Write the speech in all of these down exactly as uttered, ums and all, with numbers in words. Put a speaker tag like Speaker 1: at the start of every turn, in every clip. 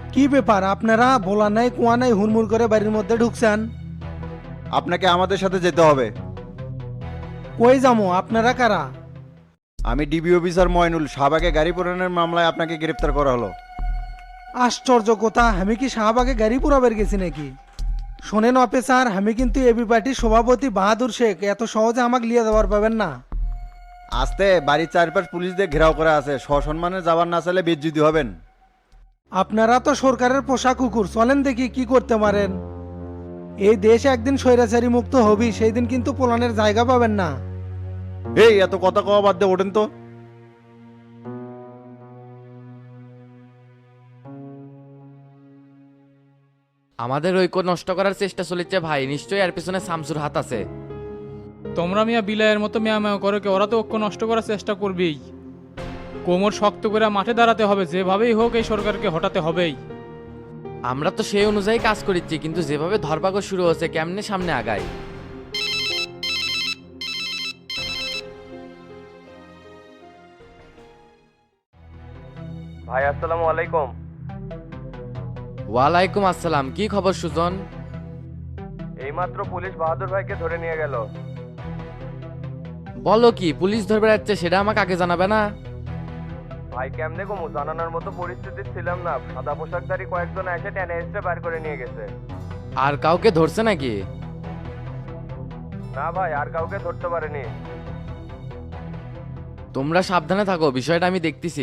Speaker 1: কি ব্যাপার আপনারা বলা নাই কুয়া নাই হুড়মুড় করে বাড়ির মধ্যে ঢুকছেন?
Speaker 2: আপনাকে আমাদের সাথে যেতে হবে।
Speaker 1: কই যামো? আপনারা কারা?
Speaker 2: আমি ডিবি অফিসার ময়নুল, শাহবাগে গাড়ি পোড়ানোর মামলায় আপনাকে গ্রেপ্তার করা হলো।
Speaker 1: আশ্চর্য কথা, আমি কি শাহবাগে গাড়ি পুরাবের গেছি নাকি? শোনেন অফিসার, আমি কিন্তু এবি পার্টির সভাপতি বাহাদুর শেখ, এত সহজে আমাকে লিয়ে দেওয়ার পাবেন না।
Speaker 2: আসতে বাড়ির চারপাশ পুলিশ দিয়ে ঘেরাও করা আছে, সসম্মানে যাবার না চাইলে বেজ্জুতি হবেন।
Speaker 1: আপনারা তো সরকারের পোষা কুকুর, চলেন দেখি কি করতে পারেন। এই দেশ একদিন স্বৈরাচারী মুক্ত হবি, সেই দিন কিন্তু পোলানের জায়গা পাবেন না।
Speaker 2: এই এত কথা কওয়া বাদ দিয়ে ওঠেন তো।
Speaker 3: আমাদের ঐক্য নষ্ট করার চেষ্টা চলেছে ভাই, নিশ্চয়ই এর পিছনে শামসুর হাত আছে।
Speaker 4: তোমরা মিয়া বিলায়ের মতো মেয়া মেয়া করো কে, ওরা তো ঐক্য নষ্ট করার চেষ্টা করবেই। কোমর শক্ত করে মাঠে দাঁড়াতে হবে, যেভাবেই হোক এই সরকারকে হটাতে হবেই।
Speaker 3: আমরা তো সেই অনুযায়ী কাজ করেছি, কিন্তু যেভাবে ধরপাকড় শুরু হচ্ছে কেমনে সামনে আগায়।
Speaker 5: ভাই আসসালামু আলাইকুম।
Speaker 3: ওয়ালাইকুম আসসালাম, কি খবর সুজন?
Speaker 5: এইমাত্র পুলিশ বাহাদুর ভাইকে ধরে নিয়ে গেল।
Speaker 3: বলো কি, পুলিশ ধরে বেড়াচ্ছে? সেটা আমাকে আগে জানাবে না?
Speaker 5: ভাই কেমনে কমু, জানানোর মতো পরিস্থিতি ছিলাম না। সাদা পোশাকধারী কয়েকজন এসে টেনে এসে বার করে নিয়ে গেছে।
Speaker 3: আর কাউকে ধরছে নাকি?
Speaker 5: না ভাই, আর কাউকে ধরতে পারেনি।
Speaker 3: তোমরা সাবধানে থাকো, বিষয়টা আমি দেখতেছি।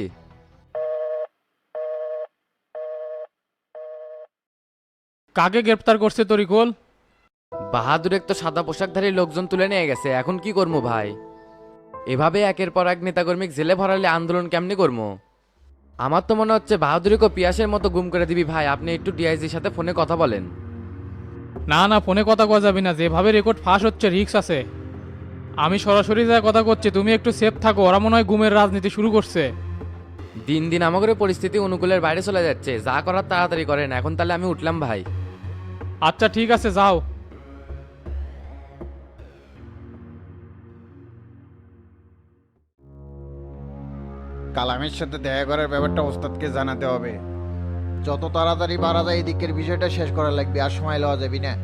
Speaker 4: কাকে গ্রেপ্তার করছে তরিকুল?
Speaker 3: বাহাদুরের তো সাদা পোশাকধারী লোকজন তুলে নিয়ে গেছে, এখন কি করবো ভাই? এভাবে একের পর এক নেতাকর্মী জেলে ভরালে আন্দোলন কেমনি করবো? আমার তো মনে হচ্ছে বাহাদুরিকে পিয়াসের মতো গুম করে দিবি ভাই। আপনি একটু ডিআইজির সাথে ফোনে কথা বলেন।
Speaker 4: না না, ফোনে কথা কওয়া যাবে না, যেভাবে রেকর্ড ফাঁস হচ্ছে রিস্ক আছে। আমি সরাসরি যা কথা করছি, তুমি একটু সেফ থাকো, ওরা মনে হয় গুমের রাজনীতি শুরু করছে।
Speaker 3: দিন দিন আমাদের পরিস্থিতি অনুকূলের বাইরে চলে যাচ্ছে, যা করার তাড়াতাড়ি করেন। এখন তাহলে আমি উঠলাম ভাই।
Speaker 4: আচ্ছা ঠিক আছে, যাও।
Speaker 2: কালামের সাথে দেখা করার ব্যাপারটা ওস্তাদকে জানাতে হবে। যত তাড়াতাড়ি পারা যায় এই দিকের বিষয়টা শেষ করা লাগবে, আর সময় লওয়া যাবি না।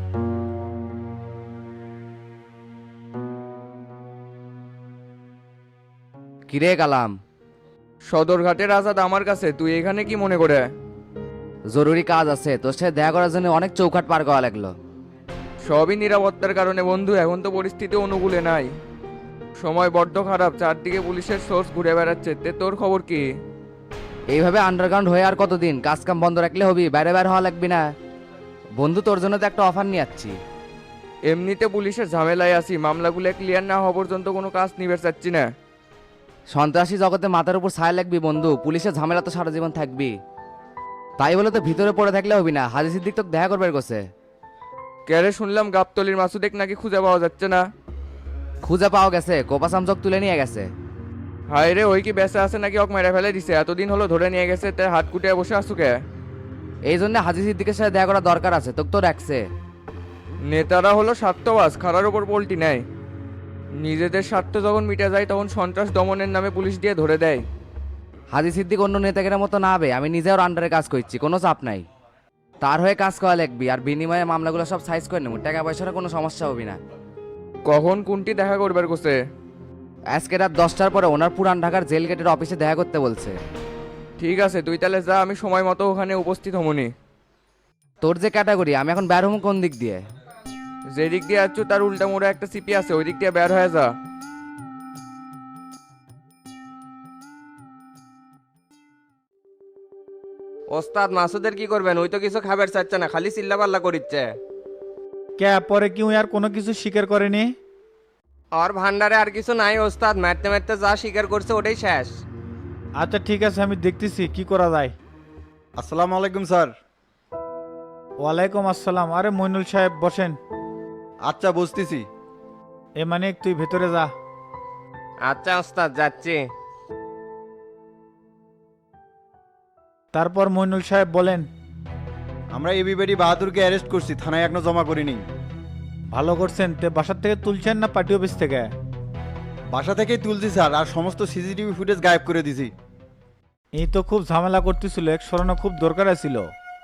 Speaker 6: কিরে কালাম,
Speaker 7: সদরঘাটের আজাদ আমার কাছে, তুই এখানে কি মনে করে?
Speaker 6: জরুরি কাজ আছে, তোর সাথে দেখা করার জন্য অনেক চৌকাট পার করা লাগলো।
Speaker 7: সবই নিরাপত্তার কারণে বন্ধু, এখন তো পরিস্থিতি অনুকূলে নাই। সময় বড্ড খারাপ, চারদিকে পুলিশের সোর্স ঘুরে বেড়াচ্ছে। তে তোর খবর কি?
Speaker 6: এইভাবে আন্ডারগ্রাউন্ড হয়ে আর কতদিন? কাজ কাম বন্ধ রাখলে হবি, বাইরে বাইরে হওয়া লাগবি না। বন্ধু, তোর জন্য তো একটা অফার নিয়ে যাচ্ছি।
Speaker 7: এমনিতে পুলিশের ঝামেলায় আছি, মামলাগুলো ক্লিয়ার না হওয়া পর্যন্ত কোনো কাজ নিবে চাচ্ছি না।
Speaker 6: সন্ত্রাসী জগতে মাথার উপর ছায়া লাগবি বন্ধু, পুলিশের ঝামেলা তো সারা জীবন থাকবি। তাই বলে তো ভিতরে পড়ে থাকলে হবি না, হাজি সিদ্দিক তো দেখা করবার গোছে।
Speaker 7: ক্যারে শুনলাম গাবতলির মাসুদেক নাকি খুঁজে পাওয়া যাচ্ছে না।
Speaker 6: খুঁজে পাওয়া গেছে, কোপা সামচক তুলে নিয়ে গেছে।
Speaker 7: হায় রে, ওই কি বেঁচে আছে নাকি অক মেরে ফেলে দিছে? এতদিন হলো ধরে নিয়ে গেছে, তে হাত কুটিয়ে বসে আসুকে।
Speaker 6: এই জন্য হাজি সিদ্দিকের সাথে দেখা করা দরকার আছে, তোকে তো রাখছে।
Speaker 7: নেতারা হলো স্বার্থবাজ, খারার ওপর পল্টি নেয়। নিজেদের স্বার্থ যখন মিটে যায় তখন সন্ত্রাস দমনের নামে পুলিশ দিয়ে ধরে দেয়।
Speaker 6: হাজি সিদ্দিক অন্য নেতাদের মতো না হবে, আমি নিজে ওর আন্ডারে কাজ করছি, কোনো চাপ নাই। তার হয়ে কাজ করা লাগবি, আর বিনিময়ে মামলাগুলো সব সাইজ করে নেব, টাকা পয়সার কোনো সমস্যা হবে না।
Speaker 7: কখন কোনটি দেখা করবার কোসে?
Speaker 6: আজকে রাত দশটার পরে ওনার পুরান ঢাকার জেল গেটের অফিসে দেখা করতে বলছে।
Speaker 7: ঠিক আছে, তুই তাহলে যা, আমি সময় মতো ওখানে উপস্থিত হমনি।
Speaker 6: তোর যে ক্যাটাগরি, আমি এখন বের হবো কোন দিক দিয়ে?
Speaker 7: যে দিক দিয়ে আসছো তার উল্টা মোড়ে একটা সিপি আছে, ওই দিক দিয়ে বের হয়ে যা।
Speaker 5: ওস্তাদ মাসুদের কি করবেন? ওই তো কিছু খাবার চাচ্ছে না, খালি চিল্লা পাল্লা করিচ্ছে।
Speaker 8: কে পরে কি আর কোনো কিছু স্বীকার করেনি?
Speaker 5: আর ভান্ডারে আর কিছু নাই ওস্তাদ, মারতে মারতে যা স্বীকার করছে ওটাই শেষ।
Speaker 8: আচ্ছা ঠিক আছে, আমি দেখতেছি কি করা যায়।
Speaker 2: আসসালামু আলাইকুম স্যার।
Speaker 8: ওয়ালাইকুম আসসালাম। আরে মইনুল সাহেব বসেন।
Speaker 2: আচ্ছা বুঝতেছি।
Speaker 8: এ মানে তুই ভেতরে যা।
Speaker 5: আচ্ছা ওস্তাদ, যাচ্ছি।
Speaker 8: তারপর মইনুল সাহেব বলেন।
Speaker 2: আমরা এবিবাড়ি বাহাদুরকে অ্যারেস্ট করছি, থানায় এখনো জমা করিনি।
Speaker 8: ভালো করছেন। তে বাসার থেকে তুলছেন না পার্টি অফিস থেকে?
Speaker 2: বাসা থেকেই তুলছি স্যার, আর সমস্ত সিসিটিভি ফুটেজ গায়েব করে দিছি।
Speaker 8: এই তো খুব ঝামেলা করতেছিল, এক সরানো খুব দরকার ছিল।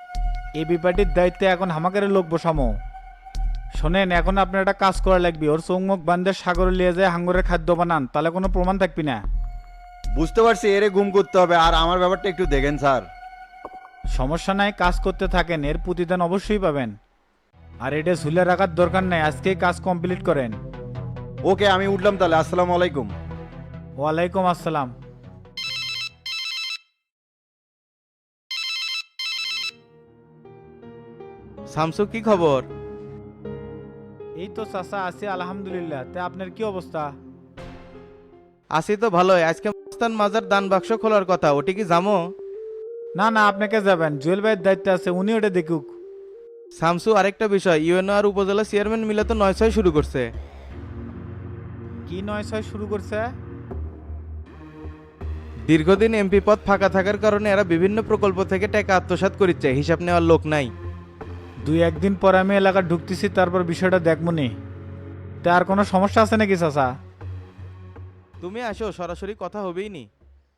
Speaker 8: এবি পার্টির দায়িত্বে এখন হামাকারে লোক বসামো। শোনেন, এখন আপনার একটা কাজ করা লাগবে, ওর চৌমুখ বান্ধে সাগরে নিয়ে যায় হাঙ্গরের খাদ্য বানান, তাহলে কোনো প্রমাণ থাকবি না।
Speaker 2: বুঝতে পারছি, এরে গুম করতে হবে। আর আমার ব্যাপারটা একটু দেখেন স্যার।
Speaker 8: সমস্যা নাই, কাজ করতে থাকেন, এর প্রতিদান অবশ্যই পাবেন। আর এটা ঝুলে রাখার দরকার নাই, আজকেই কাজ কমপ্লিট করেন।
Speaker 2: ওকে, আমি উঠলাম তাহলে। আসসালামু আলাইকুম।
Speaker 8: ওয়ালাইকুম আসসালাম।
Speaker 9: শামসু, কি খবর?
Speaker 8: এই তো চাচা আছি আলহামদুলিল্লাহ। তে আপনার কি অবস্থা?
Speaker 9: আছি তো ভালোই। আজকে মস্তান মাজার দান বাক্স খোলার কথা, ওটি কি জামো?
Speaker 8: না না, আপনাকে যাবেন, জুয়েল ভাইয়ের দায়িত্বে আছে, উনি ওটা দেখুক।
Speaker 9: শামসু, আরেকটা বিষয়, ইউএনও আর উপজেলা চেয়ারম্যান মিলে তো নয় ছয় শুরু করছে।
Speaker 8: কি নয় ছয় শুরু করছে?
Speaker 9: দীর্ঘদিন এমপি পদ ফাঁকা থাকার কারণে এরা বিভিন্ন প্রকল্প থেকে টাকা আত্মসাৎ করিচ্ছে, হিসাব নেওয়ার লোক নাই।
Speaker 8: দুই একদিন পর আমি এলাকা ঢুকতেছি, তারপর বিষয়টা দেখমুনি। তা আর কোনো সমস্যা আছে নাকি চাচা?
Speaker 9: তুমি আসো, সরাসরি কথা হবেই নি।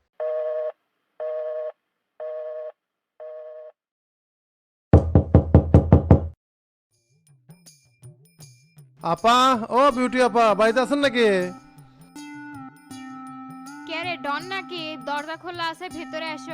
Speaker 10: আপা, ও বিউটি আপা, বাড়িতে আছেন নাকি?
Speaker 11: কে রে, ডন নাকি? দরজা খোলা আছে, ভেতরে এসো।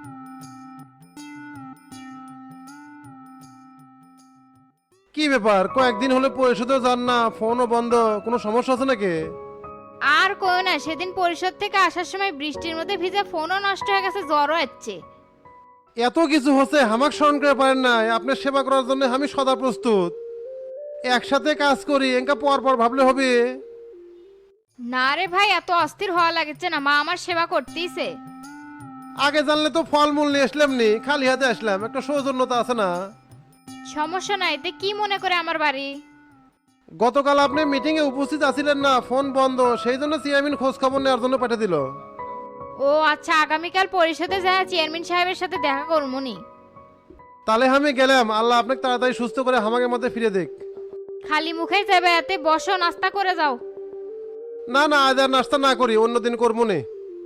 Speaker 10: কি ব্যাপার, কয়েকদিন হলে পরিশোধও যান না, ফোনও বন্ধ, কোনো সমস্যা আছে নাকি?
Speaker 11: আর কই না, সেদিন পরিষদ থেকে আসার সময় বৃষ্টির মধ্যে ভিজে ফোনও নষ্ট হয়ে গেছে, জ্বরও হচ্ছে।
Speaker 10: এত কিছু হচ্ছে, হামাক স্মরণ করে পারেন নাই? আপনার সেবা করার জন্য আমি সদা প্রস্তুত। একসাথে কাজ করি, এঙ্কা পর পর ভাবলে হবে?
Speaker 11: না রে ভাই, এত অস্থির হওয়া লাগছে না, মা আমার সেবা করতেইছে।
Speaker 10: আগে জানলে তো ফলমূল নিয়ে আসলাম নি, খালি হাতে আসলাম, একটা সৌজন্যতা আছে না?
Speaker 11: সমস্যা নাই, তে কি মনে করে আমার বাড়ি?
Speaker 10: গতকাল আপনি মিটিং এ উপস্থিত আছিলেন না, ফোন বন্ধ, সেই জন্য চেয়ারম্যান খোঁজ খবর নেওয়ার জন্য পাঠিয়ে দিল।
Speaker 11: ও আচ্ছা, আগামীকাল পরিষদে যায় চেয়ারম্যান সাহেবের সাথে দেখা করমুনি।
Speaker 10: তাহলে আমি গেলাম, আল্লাহ আপনাকে তাড়াতাড়ি সুস্থ করে হামাকে মধ্যে ফিরে দেখ।
Speaker 11: খালি মুখেই যাবে, এতে বসো, নাস্তা করে যাও।
Speaker 10: না না, আজ আর নাস্তা না করি, অন্যদিন করবো নে।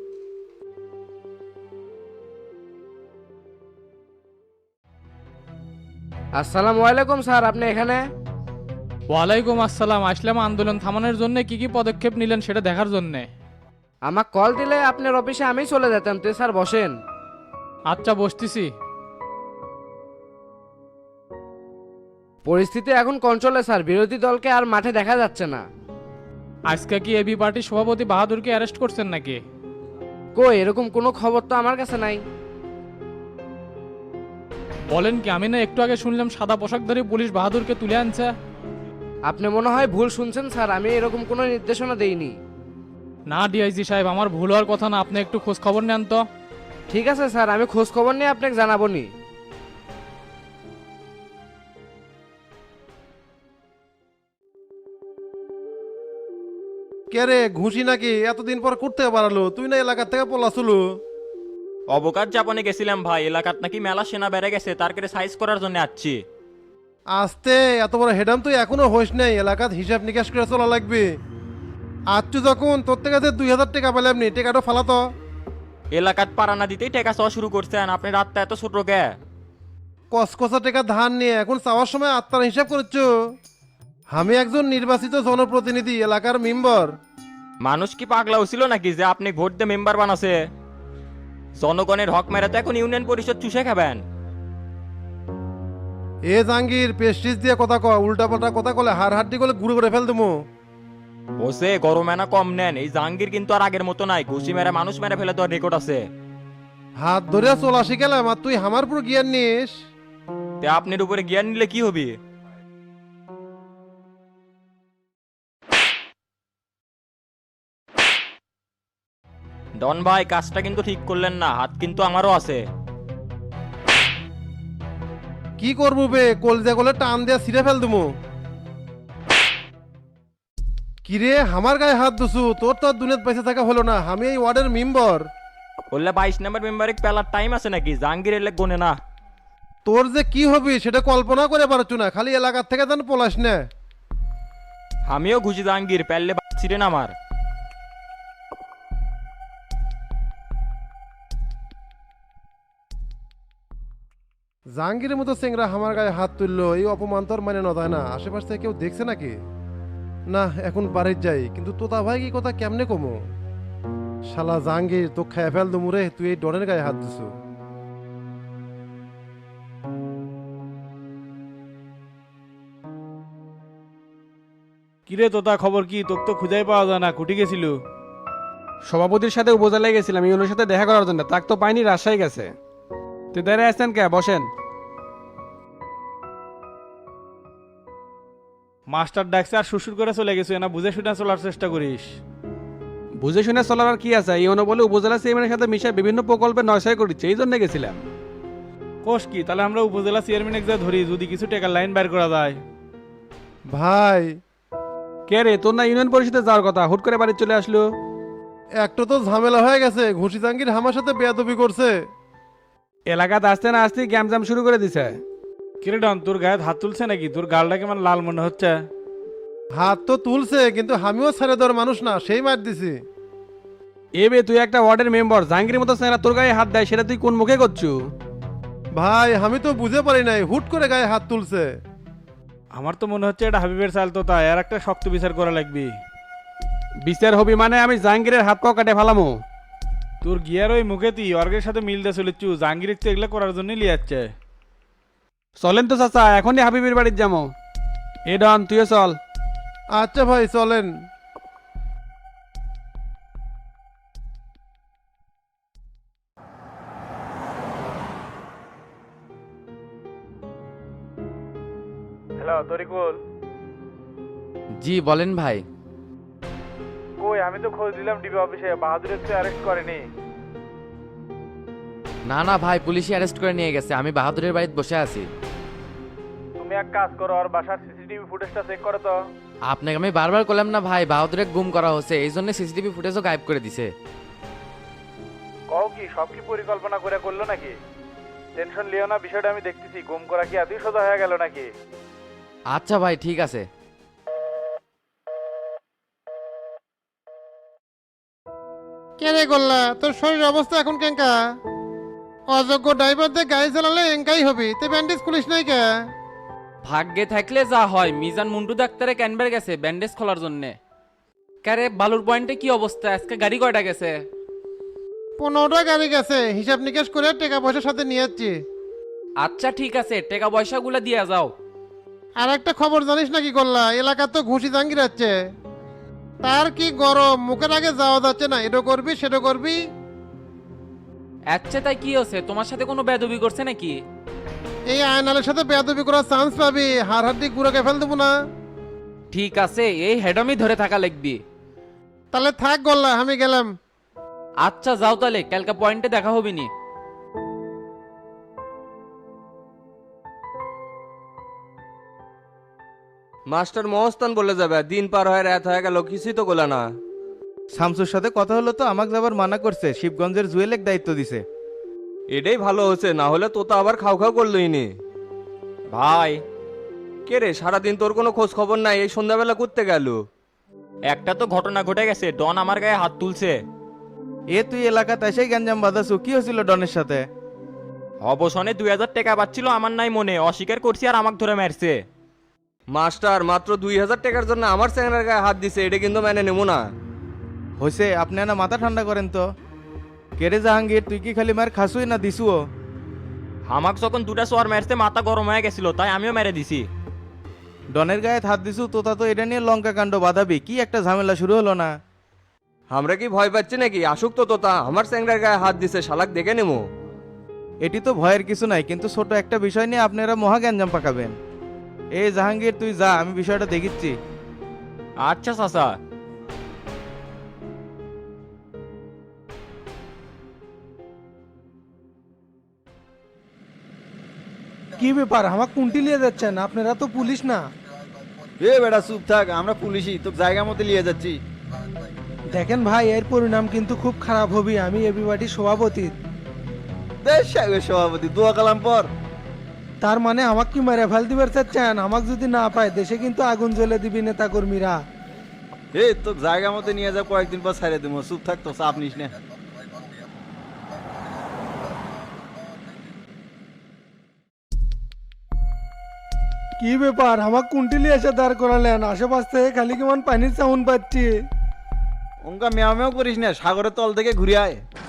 Speaker 6: আসসালামু আলাইকুম স্যার, আপনি এখানে?
Speaker 4: ওয়ালাইকুম আসসালাম। আসলাম আন্দোলন থামানোর জন্য কি কি পদক্ষেপ নিলেন সেটা দেখার জন্যে।
Speaker 6: আমাকে কল দিলে আপনার অফিসে আমি চলে যেতাম, তো স্যার বসেন।
Speaker 4: আচ্ছা, বসতেছি।
Speaker 6: পরিস্থিতি এখন কন্ট্রোলে স্যার, বিরোধী দলকে আর মাঠে দেখা যাচ্ছে না।
Speaker 4: আজকে কি এবি পার্টির সভাপতি বাহাদুরকে অ্যারেস্ট করছেন নাকি?
Speaker 6: কই, এরকম কোনো খবর তো আমার কাছে নাই।
Speaker 4: বলেন কি? আমি না একটু আগে শুনলাম সাদা পোশাকধারী পুলিশ বাহাদুরকে তুলে আনছে।
Speaker 6: আপনি মনে হয় ভুল শুনছেন স্যার, আমি এরকম কোনো নির্দেশনা দেইনি।
Speaker 4: না ডিআইজি সাহেব, আমার ভুল হওয়ার কথা না, আপনি একটু খোঁজ খবর নেন তো।
Speaker 6: ঠিক আছে স্যার, আমি খোঁজ খবর নিয়ে আপনাকে জানাবো নি।
Speaker 10: কে রে, ঘুষি নাকি? এতদিন পর করতে পারলো, তুই না এলাকার থেকে পলাচুলু?
Speaker 12: অবকাশ যাপনে গেছিলাম ভাই, এলাকাত নাকি মেলা সেনা বেড়ে গেছে, তার কেটে সাইজ করার জন্য আসছি।
Speaker 10: আসতে এত বড় হেডাম তুই এখনো হইস নাই, এলাকাত হিসাব নিকাশ করে চলা লাগবে। আচ্ছু যখন তোর থেকে যে দুই হাজার টাকা পেলাম নি, টাকাটা ফালাতো।
Speaker 12: এলাকাত পাড়া না দিতেই টেকা চাওয়া শুরু করছেন, আপনি রাতটা এত ছোট গে।
Speaker 10: কসকসা টাকা ধার নিয়ে এখন চাওয়ার সময় আত্মার হিসাব করছো? আমি একজন নির্বাচিত জনপ্রতিনিধি, এলাকার মেম্বার।
Speaker 12: মানুষ কি পাগলা হছিল নাকি যে আপনি ভোট দিয়ে মেম্বার বানাছে? জনগণের হক মেরে তো এখন ইউনিয়ন পরিষদ চুষে খাবেন।
Speaker 10: এ জাঙ্গির, পেস্টিস দিয়ে কথা ক, উল্টা পাল্টা কথা কলে হার হাড্ডি করলে গুঁড়ো করে ফেল দেবো।
Speaker 12: ওসে গরমে না কম নেন, এই জাহাঙ্গীর কিন্তু আর আগের মতো নাই, ঘুষি মেরে মানুষ মেরে ফেলে দেওয়ার রেকর্ড আছে।
Speaker 10: হাত ধরে চলা শিখেলাম আর তুই আমার পুরো জ্ঞান নিস।
Speaker 12: তে আপনার উপরে জ্ঞান নিলে কি হবে? ডন ভাই, কাজটা কিন্তু ঠিক করলেন না, হাত কিন্তু আমারও আছে।
Speaker 10: কি করবো বে, কলজা গলে টান দিয়ে ছিঁড়ে ফেল দেবো। কিরে, আমার গায়ে হাত দুসু? তোর তো আর দুনিয়াত বেঁচে থাকা হলো না, আমি এই ওয়ার্ডের মেম্বার।
Speaker 12: বললে বাইশ নম্বর মেম্বারে পেলার টাইম আছে নাকি? জাহাঙ্গীর এলে গোনে না।
Speaker 10: তোর যে কি হবে সেটা কল্পনা করে পারছো না, খালি এলাকার থেকে যেন পলাস না।
Speaker 12: আমিও ঘুষি জাহাঙ্গীর, পেললে ছিলেন আমার।
Speaker 10: জাহাঙ্গীরের মতো চেংরা আমার গায়ে হাত তুললো, এই অপমান তো আর মানে নয় না। আশেপাশ থেকে কেউ দেখছে নাকি? না, এখন বাড়ির যাই, কিন্তু তোতা ভাই কি কথা কেমনে কমো? শালা জাহাঙ্গীর, তো খায় ফেল দুমুরে, তুই এই ডনের গায়ে হাত দিছু।
Speaker 8: কিরে তোতা, খবর কি? তোকে তো খুঁজেই পাওয়া যায় না, কুটি গেছিল?
Speaker 13: সভাপতির সাথে উপজেলায় গেছিলাম ইউনোর সাথে দেখা করার জন্য, তাক তো পাইনি, রাজশাহী গেছে। তুই দাঁড়িয়ে আসছেন কে? বসেন।
Speaker 8: মাস্টার ডাকছে আর শ্বশুর করে চলে গেছো, না বুঝে শুনে চলার চেষ্টা করিস।
Speaker 13: বুঝে শুনে চলার আর কি আছে? ইউনো বলে উপজেলা চেয়ারম্যানের সাথে মিশে বিভিন্ন প্রকল্পে নয়সয় করছে, এই জন্য গেছিলাম।
Speaker 8: কোষ কি, তাহলে আমরা উপজেলা চেয়ারম্যান যা ধরি, যদি কিছু টাকার লাইন বের করা যায়।
Speaker 10: ভাই
Speaker 13: কে রে, তোর না ইউনিয়ন পরিষদে যাওয়ার কথা, হুট করে বাড়ি চলে আসলো?
Speaker 10: একটা তো ঝামেলা হয়ে গেছে, ঘুষি জাহাঙ্গীর আমার সাথে বেয়াদবি করছে।
Speaker 13: এলাকাতে আসতে না আসতে গ্যামজাম শুরু করে দিছে।
Speaker 8: কিরে ডন, তোর গায়ে হাত তুলছে নাকি? তোর গালটা কেমন লাল মনে হচ্ছে?
Speaker 10: হাত তো তুলছে, কিন্তু আমিও ছেড়ে দেওয়ার মানুষ না, সেই মার দিছি।
Speaker 13: এ বে, তুই একটা ওয়ার্ডের মেম্বার, জাহাঙ্গীরের মতো চেহারা তোর গায়ে হাত দেয়, সেটা তুই কোন মুখে করছু?
Speaker 10: ভাই আমি তো বুঝে পারি নাই, হুট করে গায়ে হাত তুলছে।
Speaker 8: আমার তো মনে হচ্ছে এটা হাবিবের চাল, তো তাই আর একটা শক্ত বিচার করা লাগবে।
Speaker 13: বিচার হবি মানে আমি জাহাঙ্গীরের হাত পাও কাটে ফেলামো।
Speaker 8: তোর গিয়ার ওই মুখে তুই অর্গের সাথে মিলতে চলেছু, জাহাঙ্গীর তো এগুলো করার জন্য লিয়ে যাচ্ছে।
Speaker 13: চলেন তো চাচা, এখনই হাবিবের বাড়ির যাবো। এ ডন, তুইও চল।
Speaker 10: আচ্ছা ভাই চলেন।
Speaker 8: হ্যালো তরিকুল।
Speaker 3: জি বলেন ভাই।
Speaker 8: কই, আমি তো খোঁজ দিলাম ডিবি অফিসে, বাহাদুরের তো অ্যারেস্ট করেনি।
Speaker 3: না না ভাই, পুলিশই অ্যারেস্ট করে নিয়ে গেছে, আমি বাহাদুরের বাড়িতে বসে আছি।
Speaker 8: তুমি এক কাজ করো, আর বাসার সিসিটিভি ফুটেজটা চেক করো তো।
Speaker 3: আপনাকে আমি বারবার করলাম না ভাই, বাহাদুরে গুম করা হচ্ছে, এই জন্য সিসিটিভি ফুটেজও গায়েব করে দিছে।
Speaker 8: কও কি, সব কি পরিকল্পনা করে করলো নাকি? টেনশন লিও না, বিষয়টা আমি দেখতেছি। গুম করা কি এতই সোজা হয়ে গেল নাকি?
Speaker 3: আচ্ছা ভাই, ঠিক আছে।
Speaker 10: কে রে গোল্লা, তোর শরীরের অবস্থা এখন কেঙ্কা? অযোগ্য ড্রাইভার দিয়ে গাড়ি চালালে এঙ্কাই হবি, তুই ব্যান্ডেজ খুলিস নাই কে?
Speaker 14: ভাগ্যে থাকলে যা হয়, মিজান মুন্টু ডাক্তারে ক্যানবার গেছে ব্যান্ডেজ খোলার জন্য। কারে বালুর পয়েন্টে কি অবস্থা? আজকে গাড়ি কয়টা গেছে?
Speaker 10: পনেরোটা গাড়ি গেছে, হিসাব নিকাশ করে টাকা পয়সার সাথে নিয়ে যাচ্ছি।
Speaker 14: আচ্ছা ঠিক আছে, টাকা পয়সাগুলো দিয়ে যাও।
Speaker 10: আর একটা খবর জানিস নাকি গোল্লা, এলাকা তো ঘুষি জাঙ্গির যাচ্ছে। তার কি গরম, মুখের আগে যাওয়া যাচ্ছে না, এটা করবি সেটা করবি।
Speaker 14: আচ্ছা তাই কি হচ্ছে? তোমার সাথে কোনো বেদবি করছে নাকি?
Speaker 10: এই আয়নালের সাথে বেয়াদবি করার চান্স পাবি, হার হাড্ডি গুঁড়োকে ফেল দেবো না।
Speaker 14: ঠিক আছে, এই হেডমি ধরে থাকা লাগবি।
Speaker 10: তাহলে থাক গোল্লা, আমি গেলাম।
Speaker 14: আচ্ছা যাও তাহলে, কালকে পয়েন্টে দেখা হবে নি।
Speaker 5: মাস্টার মহস্তান বলে যাবে, দিন পার হয়ে রাত হয়ে গেল, কিছুই তো গোলা না।
Speaker 9: শামসুর সাথে কথা হলো তো আমাকে যাবার মানা করছে, শিবগঞ্জের জুয়েলেক দায়িত্ব দিছে।
Speaker 5: এটাই ভালো হচ্ছে, না হলে তো আবার খাও খাও করলোই নি। ভাই কে রে, সারাদিন তোর কোনো খোঁজ খবর নাই, এই সন্ধ্যাবেলা করতে গেল?
Speaker 12: একটা তো ঘটনা ঘটে গেছে, ডন আমার গায়ে হাত তুলছে।
Speaker 9: এ তুই এলাকাতে এসেই গ্যাঞ্জাম বাঁধাছু, কি হয়েছিল ডনের সাথে?
Speaker 12: অবসনে দুই হাজার টাকা পাচ্ছিল, আমার নাই মনে, অস্বীকার করছি আর আমাকে ধরে মারছে।
Speaker 5: মাস্টার মাত্র দুই হাজার টাকার জন্য আমার চ্যাংরার গায়ে হাত দিছে, এটা কিন্তু মেনে নেবো না।
Speaker 9: হয়েছে, আপনি না মাথা ঠান্ডা করেন তো। কেরে জাহাঙ্গীর, তুই কি খালি মার খাসুই না দিছুও?
Speaker 12: আমাকে যখন দুটা সোয়ার মারছে মাথা গরম হয়ে গেছিল, তাই আমিও মেরে দিছি।
Speaker 9: ডনের গায়ে হাত দিছু, তোতা তো এটা নিয়ে লঙ্কা কাণ্ড বাঁধাবি, কি একটা ঝামেলা শুরু হলো না?
Speaker 5: আমরা কি ভয় পাচ্ছি নাকি? আসুক তো তোতা, আমার চ্যাংরার গায়ে হাত দিছে, শালাক দেখে নেবো।
Speaker 9: এটি তো ভয়ের কিছু নাই, কিন্তু ছোট একটা বিষয় নিয়ে আপনারা মহা গ্যাঞ্জাম পাকাবেন। এই জাহাঙ্গীর তুই যা, আমি বিষয়টা দেখিচ্ছি।
Speaker 12: আচ্ছা চাচা।
Speaker 1: কি ব্যাপার, আমাকে কুন্টি লিয়ে যাচ্ছেন? আপনারা তো পুলিশ না।
Speaker 2: এ বেটা চুপ থাক, আমরা পুলিশই, তো জায়গা মতো নিয়ে যাচ্ছি।
Speaker 1: দেখেন ভাই, এর পরিণাম কিন্তু খুব খারাপ হবে। আমি এবি পার্টির সভাপতি।
Speaker 2: দেশ সাহেবের সভাপতি দোয়া কালাম পর।
Speaker 1: তার মানে আমাকে কি মেরে ফেল দিবার চাচ্ছেন? আমাকে যদি না পায় দেশে কিন্তু আগুন জ্বলে দিবি নেতা কর্মীরা।
Speaker 2: এই তো জায়গা মতো নিয়ে যা, কয়েকদিন পর ছাড়ে দেবো, চুপ থাক তো, চাপ নিস না।
Speaker 1: কি ব্যাপার আমার কুন্টিলি এসে দাঁড় করালেন? আশেপাশ থেকে খালি কেমন পানির সাউন্ড পাচ্ছি।
Speaker 2: ওঙ্কা মেয়া মেয়াও করিস না, সাগরের তল থেকে ঘুরে আয়।